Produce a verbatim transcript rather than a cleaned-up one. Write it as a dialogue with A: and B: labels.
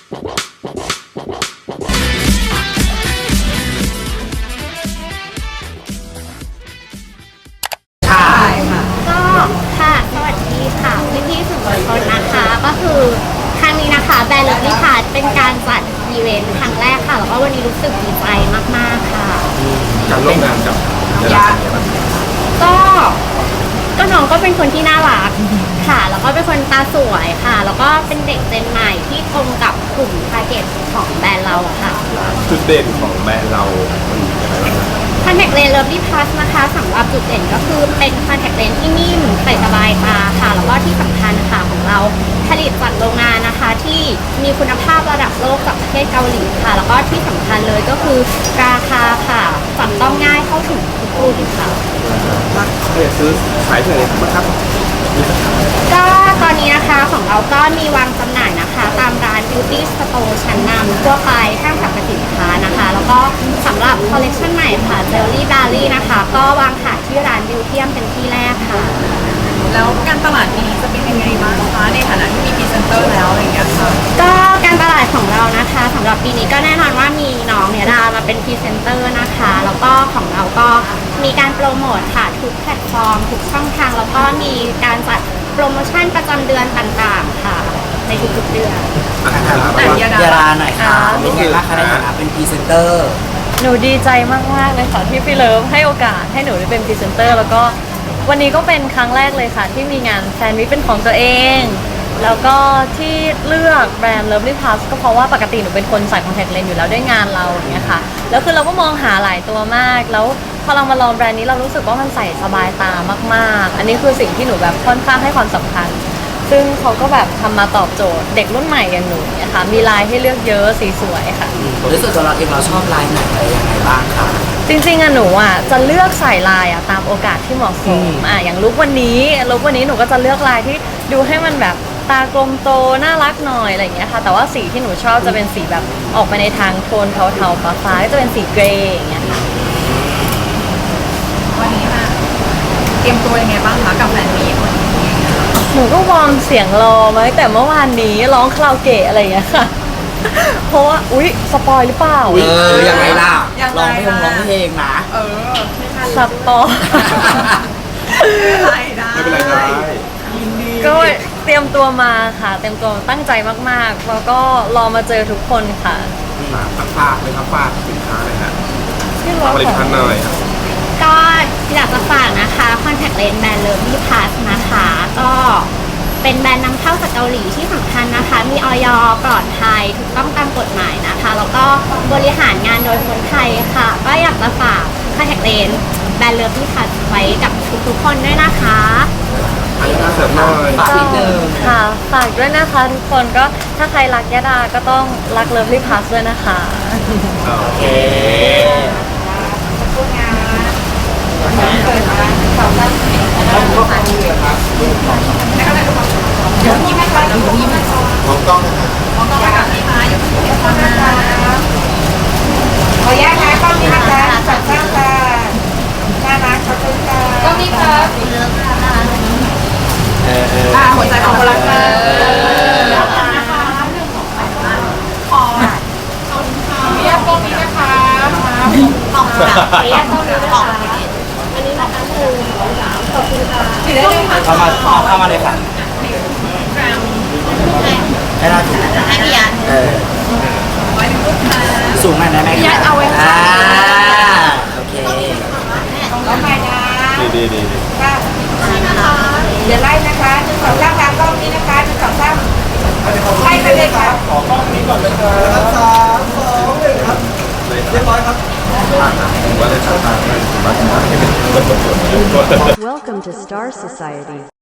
A: ก็ค่ะสวัสดีค่ะพี่พี่ๆสื่อมวลชนนะคะก็คือครั้งนี้นะคะแบรนด์เลิฟลี่พาร์ทเป็นการจัดอีเวนต์ครั้งแรกค่ะแล้วก็วันนี้รู้สึกดีใจมากๆค่ะ
B: การร่วมงานกับยา
A: ก็ก็น้องก็เป็นคนที่น่ารักค่ะแล้วก็เป็นคนตาสวยค่ะแล้วก็เป็นเด็กเจนใหม่ที่ตรงกับกลุ่มทาร์เก็ตของแบรนด์เราค่ะ
B: จุดเด่นของแบรนด์เรามันยังไงบ้าง
A: คอนแทคเลนส์เลิฟลี่พลัสนะคะสำหรับจุดเด่นก็คือเป็นคอนแทคเลนส์ที่นิ่มใส่สบายตาค่ะแล้วก็ที่สำคัญค่ะของเราผลิตจากโรงงานนะคะที่มีคุณภาพระดับโลกจากประเทศเกาหลีค่ะแล้วก็ที่สำคัญเลยก็คือราคาค่ะจับต้องง่ายเข้าถึงทุกกลุ่มค่ะ
B: ถ้าอยากซื้อขายที่ไหนครับ
A: ก็ตอนนี้นะคะของเราก็มีวางจำหน่ายนะคะตามร้าน Beauty Store ชั้นนำทั่วไปห้างสรรพสินค้านะคะแล้วก็สำหรับคอลเลคชันใหม่ค่ะ Jelly Belly นะคะก็วางขายที่ร้าน Beautyum เป็นที่แรกค่ะ
C: แล้วการตลาดปีนี้จะเป็นยังไงบ้างคะในฐานะที่มีพรีเซนเตอร์แล้วอะไรอย่างเงี้ยค่ะ
A: ก็การตลาดของเรานะคะสำหรับปีนี้ก็แน่นอนว่ามีน้องเนี่ยดามาเป็นพรีเซนเตอร์นะคะแล้วก็ของเราก็มีการโปรโมทค่ะทุกแพลตฟอร์มทุกช่องทางแล้วก็มีการจัดโปรโมชั่นประจำเดือนต่างๆค่ะในทุกๆเดือน
C: แต่ยา
D: ดาหน่อยค่ะเป็นไงบ้างคะในฐานะเป็นพรีเซนเตอร์
E: หนูดีใจมากๆเลยค่ะที่พี่เลิฟให้โอกาสให้หนูได้เป็นพรีเซนเตอร์แล้วก็วันนี้ก็เป็นครั้งแรกเลยค่ะที่มีงานแฟนมิตเป็นของตัวเองแล้วก็ที่เลือกแบรนด์ Lovely Plus ก็เพราะว่าปกติหนูเป็นคนใส่คอนแทคเลนส์อยู่แล้วด้วยงานเราอย่างเงี้ยค่ะแล้วคือเราก็มองหาหลายตัวมากแล้วพอเรามาลองแบรนด์นี้เรารู้สึกว่ามันใส่สบายตามากๆอันนี้คือสิ่งที่หนูแบบค่อนข้างให้ความสำคัญซึ่งเขาก็แบบทำมาตอบโจทย์เด็กรุ่นใหม่อย่างหนูเนี่ยค่ะมีลายให้เลือกเยอะสีสวยค่ะ
D: โดยส่วนตัวเราเองเราชอบลายไหนอะไรยังไงบ้างคะ
E: จริงๆอะหนูอะจะเลือกใส่ลายอะตามโอกาสที่เหมาะสมอะอย่างลุควันนี้ลุควันนี้หนูก็จะเลือกลายที่ดูให้มันแบบตากลมโตน่ารักหน่อยอะไรอย่างเงี้ยค่ะแต่ว่าสีที่หนูชอบจะเป็นสีแบบออกไปในทางโทนเทาๆฟ้าๆก็จะเป็นสีเกรย์อย่างเงี้ยค่ะ
C: วันนี้ค่ะเตรียมตัวยังไงบ้างคะกับแฟนมีตวันนี้
E: หนูก็วอร์มเสียงรอมาตั้งแต่เมื่อวานนี้ร้องคาราโอเกะอะไรอย่างเงี้ยค่ะเพราะว่าอุ๊ยสปอยหรือเปล่า
D: เออยังไงล่ะร้องเพลงร้องเพลงนะ
C: เออ
E: สปอย
B: ไม่เป็นไรได้
E: ก็เตรียมตัวมาค่ะเตรียมตัวตั้งใจมากๆแล้วก็รอมาเจอทุกคนค่ะ
B: ฝากเลยครับฝากสินค้าเลยฮะผลิตภัณฑ์หน่อย
A: ก็อยากจะฝากนะคะคอนแทคเลนส์แบรนด์ Lovely Plus นะคะก็เป็นแบรนด์นำเข้าจากเกาหลีที่สำคัญนะคะมีอย.ปลอดภัยถูกต้องตามกฎหมายนะคะแล้วก็บริหารงานโดยคนไทยค่ะก็อยากจะฝากคอนแทคเลนส์แบรนด์ Lovely Plus ไว้กับทุกๆคนด้วยนะคะ
B: อันนี้เสริมหน่อย
D: ฝากนิดนึง
E: ค่ะฝากด้วยนะคะทุกคนก็ถ้าใครรักยาดาก็ต้องรัก Lovely Plus ด้วยนะคะ
D: โอเค
C: เปิดมาสองด้านนี้นะคะเดี๋ยวนี้ไม่ค่ะเดี๋ยวนี้ไม่ค่ะ
B: มองกล้องนะคะ
C: มองกล้องกับพี่มาอยู่ที่นี่คนนะคะ
F: ขออนุญาตนะกล้องนี้นะคะจัดตั้งค่ะน่ารักขอบคุณค่ะ
C: กล้องนี้ครับ
D: เออเออ
C: หัวใจของคนรักค่ะขอเรียกกล้องนี้นะคะขอบคุณค่ะเรียกกล้องนี้นะคะอันนี้นะคะคือขอบคุณค่ะ
D: เข้ามาเข้ามาเลยค่ะให้เราถูกให้พี่ยันเออสูงหน่อยได้ไหมครับ
C: เอาไว้ค่ะ
D: โอเค
F: ก็ไปนะ
B: ดีดีดี
F: ค่ะเดี๋ยวไล่นะคะหนึ่งสองสามตามกล้องนี้นะคะหนึ่งสองสามไล่ไปเลยค่ะ
B: ขอกล้องนี้ก่อนเลยครับสามสองหนึ่งครับเรียบร้อยครับว่าได้ทำตามกันว่าให้เป็นคนกด
G: Welcome to Star Society